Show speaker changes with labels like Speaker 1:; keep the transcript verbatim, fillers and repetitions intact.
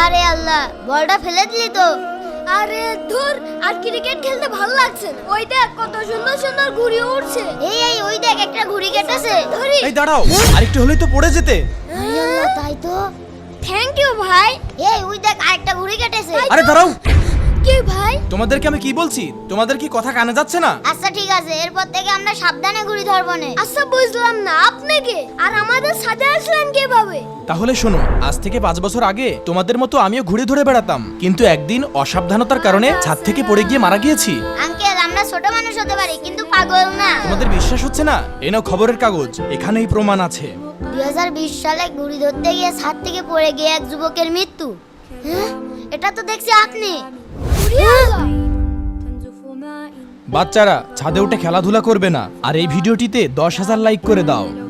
Speaker 1: আরে আল্লাহ, বলটা ফেলে দিলি তো। আরে ধুর, আর ক্রিকেট খেলতে ভালো লাগছে না। ওই দেখ কত সুন্দর সুন্দর ঘুড়ি উড়ছে। এই এই ওই দেখ একটা ঘুড়ি কেটেছে। ধরি।
Speaker 2: এই দাঁড়াও, আরেকটু হলেই তো পড়ে যেতে।
Speaker 1: আরে আল্লাহ, তাই তো। থ্যাংক ইউ ভাই। এই ওই দেখ আরেকটা ঘুড়ি কেটেছে।
Speaker 2: আরে দাঁড়াও,
Speaker 1: কি ভাই?
Speaker 2: তোমাদেরকে আমি কি বলছি? তোমাদের কি কথা কানে যাচ্ছে না?
Speaker 1: আচ্ছা ঠিক আছে, এরপর থেকে আমরা সাবধানে ঘুড়ি ধরবো না। আচ্ছা বুঝলাম না, আপনি কে আর আমাদের সাথে আসলেন কিভাবে?
Speaker 2: তাহলে শোনো, আজ থেকে পাঁচ বছর আগে তোমাদের মতো আমিও ঘুড়ি ধরে বেড়াতাম, কিন্তু একদিন অসাবধানতার কারণে ছাদ থেকে পড়ে গিয়ে মারা গিয়েছি।
Speaker 1: আঙ্কেল, আমরা ছোট মানুষ হতে পারি কিন্তু পাগল না।
Speaker 2: তোমাদের বিশ্বাস হচ্ছে না? এই নাও খবরের কাগজ, এখানেই প্রমাণ আছে।
Speaker 1: দুই হাজার বিশ সালে ঘুড়ি ধরতে গিয়ে ছাদ থেকে পড়ে গিয়ে এক যুবকের মৃত্যু। হ্যাঁ, এটা তো দেখছি আপনি।
Speaker 2: বাচ্চারা ছাদে উঠে খেলাধুলা করবে না, আর এই ভিডিওটিতে দশ হাজার লাইক করে দাও।